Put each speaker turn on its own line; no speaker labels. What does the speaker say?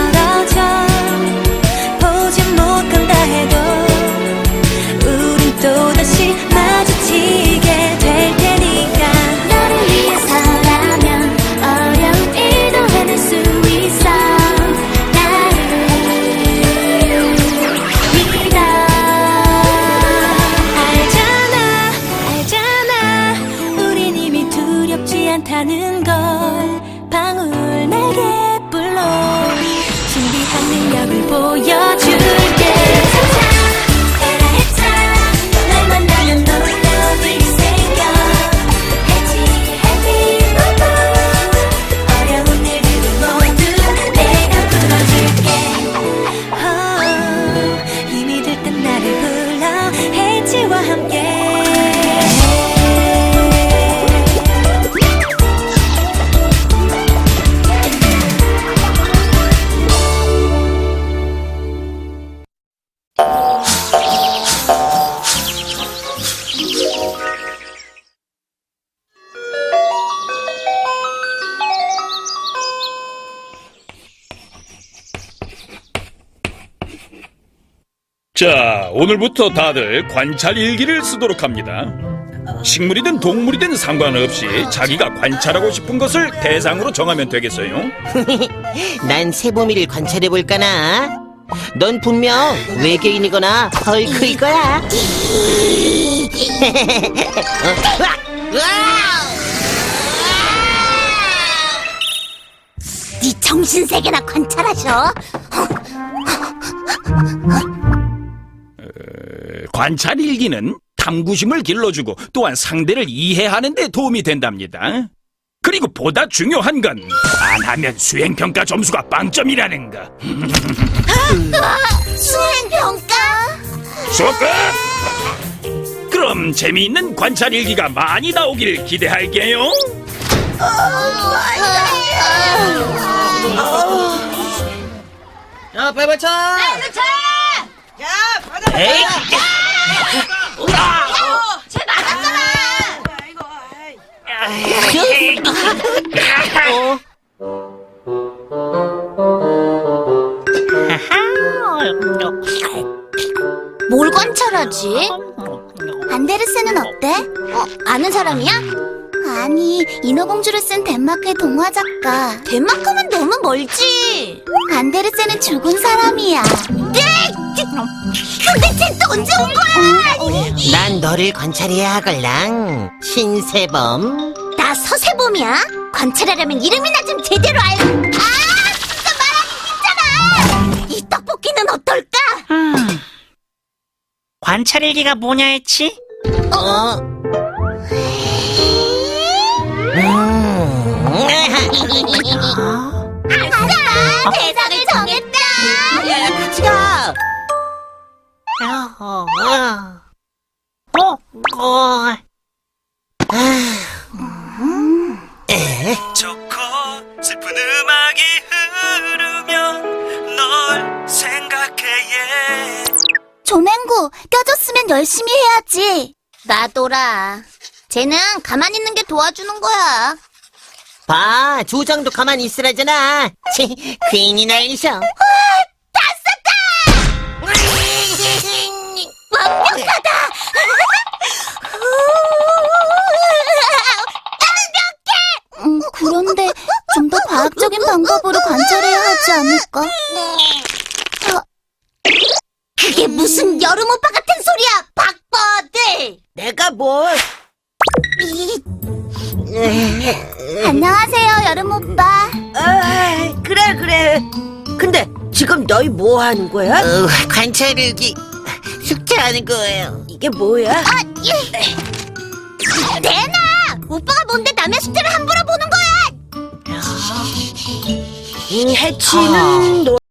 멀어져 보지 못한다 해도 우린 또다시 마주치게 될 테니까 너를 위해서라면 어려운 일도 해낼 수 있어 나를 믿어 알잖아 우린 이미 두렵지 않다는 걸 방울 내게 불러 신비한 능력을 보여줄게 날 만나면 놀라운 일이 생겨 해피 어려운 일들을 모두 내가 풀어줄게 힘이 들 땐 나를 불러 해지와 함께
자, 오늘부터 다들 관찰 일기를 쓰도록 합니다. 식물이든 동물이든 상관없이 자기가 관찰하고 싶은 것을 대상으로 정하면 되겠어요.
난 새봄이를 관찰해볼까나? 넌 분명 외계인이거나 헐크일 거야.
네 정신세계나 관찰하셔.
관찰 일기는 탐구심을 길러주고 또한 상대를 이해하는 데 도움이 된답니다. 그리고 보다 중요한 건 안 하면 수행평가 점수가 빵점이라는 거.
수행평가?
수업 끝! 그럼 재미있는 관찰 일기가 많이 나오길 기대할게요.
야, 빨리 맞춰! 야, 받아!
에이!
쟤 맞았잖아. 뭘 관찰하지? 안데르센은 어때? 아는 사람이야? 아니, 인어공주를 쓴 덴마크의 동화 작가. 덴마크면 너무 멀지. 안데르센은 죽은 사람이야. 네! 근데 쟤 또 언제 온 거야?
난 너를 관찰해야 하걸랑. 신세범.
나 서세범이야. 관찰하려면 이름이나 좀 제대로 알. 진짜 말하기 힘잖아. 이 떡볶이는 어떨까?
관찰일기가 뭐냐 했지?
아싸! 대상을 정했다.
야, 같이 가!
좋고 슬픈 음악이 흐르면 널 생각해
조맹구, 껴줬으면 열심히 해야지. 나도라. 쟤는 가만히 있는 게 도와주는 거야.
봐, 조장도 가만히 있으라잖아. 괜히 날리셔.
다 썼다! 완벽하다! 완벽해! 그런데 좀 더 과학적인 방법으로 관찰해야 하지 않을까? 그게 무슨 여름 오빠 같은 소리야, 박버들!
내가 뭘?
안녕하세요, 여름 오빠.
그래. 근데 지금 너희 뭐 하는 거야?
관찰일기 숙제하는 거예요.
이게 뭐야?
대나! 오빠가 뭔데 남의 숙제를 함부로 보는 거야!
해치는